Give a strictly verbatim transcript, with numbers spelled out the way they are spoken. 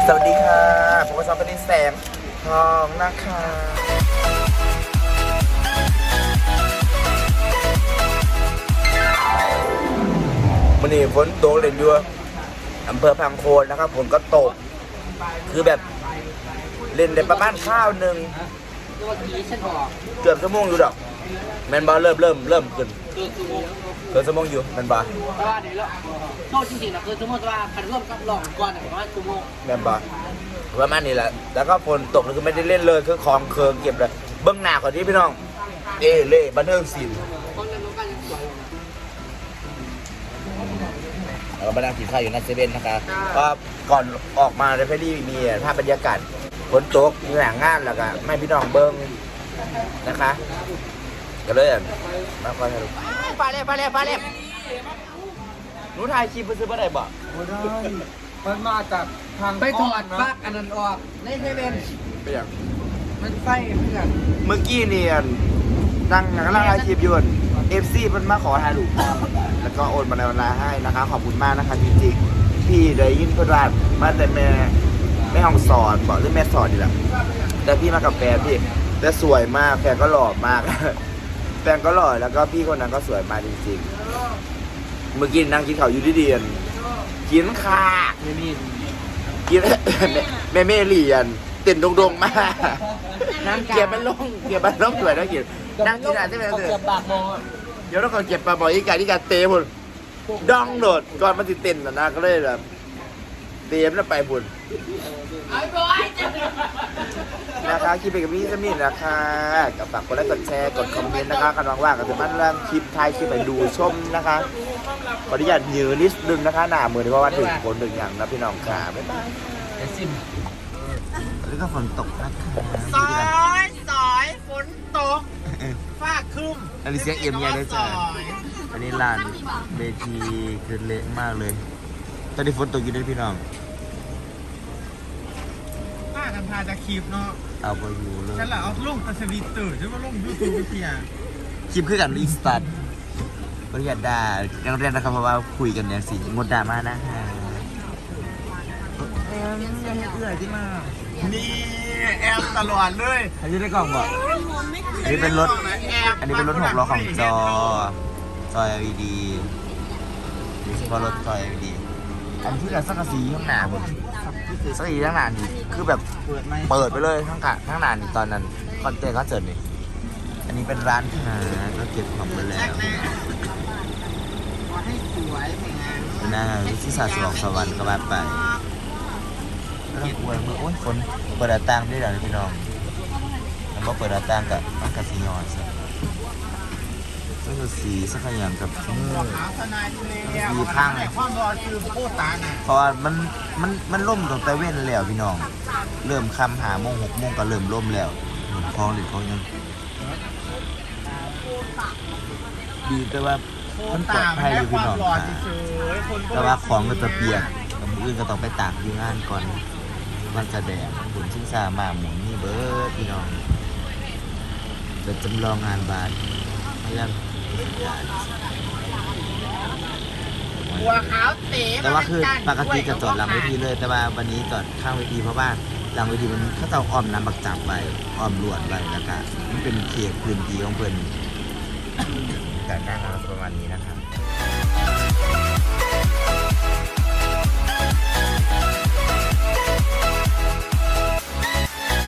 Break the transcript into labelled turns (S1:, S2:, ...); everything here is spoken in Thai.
S1: สวัสดีค่ะผมก็ชอบเป็นแสงทองนะคะวันนี้ฝนตกเล่นอยู่อำเภอพังโคนนะครับฝนก็ตกคือแบบเล่นได้ประมาณข้าวหนึ่งเกือบชั่วโมงอยู่ดอกแมนบอลเริ่มเริ่มเริ่มขึ้นเกือบชั่วโมงอยู่แมนบอล
S2: แต่ว่าเดี๋ยวโทษจริงๆนะคือสมมติว่าคันร่วมกับหลอกก่อนประมาณชั่วโมง
S1: แมนบอลประมาณนี้แหละแล้วก็ฝนตกคือไม่ได้เล่นเลยคือของเคืองเก็บเลยเบื้องหน้าก่อนที่พี่น้องเอเล่บันเทิงศิลป์เราไปนั่งกินข้าวอยู่นัดเซเว่นนะคะก็ก่อนออกมาในเพลีมีภาพบรรยากาศฝนตกมีหนังงานแล้วก็ไม่พี่น้องเบิ้งนะคะก็เลยมาคอยให้ดูปลาเล็บปลาเล็บปลาเล็บหนูถ่ายคลิปไปซื้อปลาไหนบ่ไม่ได้
S3: มันมาจากทาง
S2: ไปถอดปลั๊กอันนั้นออกในเซเว่น
S1: ไปอย่าง
S2: มันไฟเพื่อน
S1: เมื่อกี้นี่นั่งกำลังถ่ายคลิปอยู่เอฟซีมันมาขอถ่ายรูปแล้วก็โอนมาในเวลาให้นะคะขอบคุณมากนะคะจริงๆพี่ได้ยินเพื่อนว่ามาแต่แม่แม่ห้องสอนบอกหรือแม่สอนดีละแต่พี่มากับแฟนพี่แต่สวยมากแฟนก็หล่อมากแฟนก็หล่อแล้วก็พี่คนนั้นก็สวยมากจริงๆเมื่อกี้นั่งกินข้าวอยู่ที่เดียนกินขาไม่มีกินแม่แม่เรียนเต้นดงๆมากเกียบมันลงเกียบมันลงสวยแล้วกินนั่งกินอะไรใช่ไหมเสือเดี๋ยวเราเขาเก็บปลาบ่อยอีกการที่การเตะพุ่นดองโดดก่อนมันติเต้นนะนะก็เลยแบบเตะมันไปพุ่นนะคะคลิปเป็นกับพี่สมิธนะคะกับฝากกดไลค์กดแชร์กดคอมเมนต์นะคะกันว่างๆกับทุกท่านเรื่องคลิปท้ายคลิปไปดูชมนะคะขออนุญาตยืนนิดนึงนะคะหน้ามือเพราะว่าถึงฝนถึงอย่างนะพี่น้องค่ะบ๊ายบายไอซิมแล้วก็ฝนตกนะคะ
S2: สอยสอยฝนตกฟ้าคึม
S1: อันนี้เสียงเอี่ยมใหญ่เลยจ้ะอันนี้ลานเวทีคือเละมากเลยตอนนี้ฝนตกอยู่ด้วยพี่น้อง
S3: ป้ากันพาจะคลิปเนาะ
S1: เอาไปอยู่เลย
S3: ฉันแหละเอาลงตะสวีตื่นใช่ไหมลงยูทูบเพีย
S1: คลิปคือกันรีสตาร์ทบริการด่ายังเรียนนะครับเพราะว่าคุยกันเนี่ยสิงดด่ามานะฮะ
S3: เอ็มยังเอื่อยที่มานี่แอมตลอดเลย
S1: อันนี้ได้กล่องบอกอันนี้เป็นรถอันนี้เป็นรถหกล้อของจอจอ แอล อี ดีนี่เฉพาะรถจอ แอล อี ดีอันที่กับสังกะสีข้างหน้าผมสังกะสีข้างหน้านี่คือแบบเปิดไปเลยทั้งกะทั้งหน้านี่ตอนนั้นคอนเทนต์ก็เจอนี่อันนี้เป็นร้านค้าก็เก็บของไปแล้วน่าที่ศาสตร์สวรรค์สวรรค์ก็มาไปแล้วก็อวยมือโอ้ยคนเปิดต่างได้แล้วพี่น้องแล้วก็เปิดต่างกับต้องกับสีย้อนซะก็คือสีสักอย่างกับมือสีพังเพราะว่ามันมันมันล่มตรงแต่เว้นแล้วพี่น้องเริ่มคำหาโมงหกโมงก็เริ่มล่มแล้วคลองหรือคลองยังดีแต่ว่ามันปลอดภัยอยู่พี่น้องค่ะแต่ว่าของก็จะเปียกมืออื่นก็ต้องไปตากอยู่งานก่อนมันจะแดดฝนชิงซามาหมุนนี่เบิร์ดพี่น้องจะจำลองงานบานยังแต่ว่าคือปกติจะจอดหลังเวทีเลยแต่ว่าวันนี้จอดข้างเวทีเพราะว่าหลังเวทีมันเขาจะอ้อมน้ำบักจับไปอ้อมลวดไปแล้วก็มันเป็นเขตพื้นที่ของเพื่อนการนั่งประมาณนี้นะครับ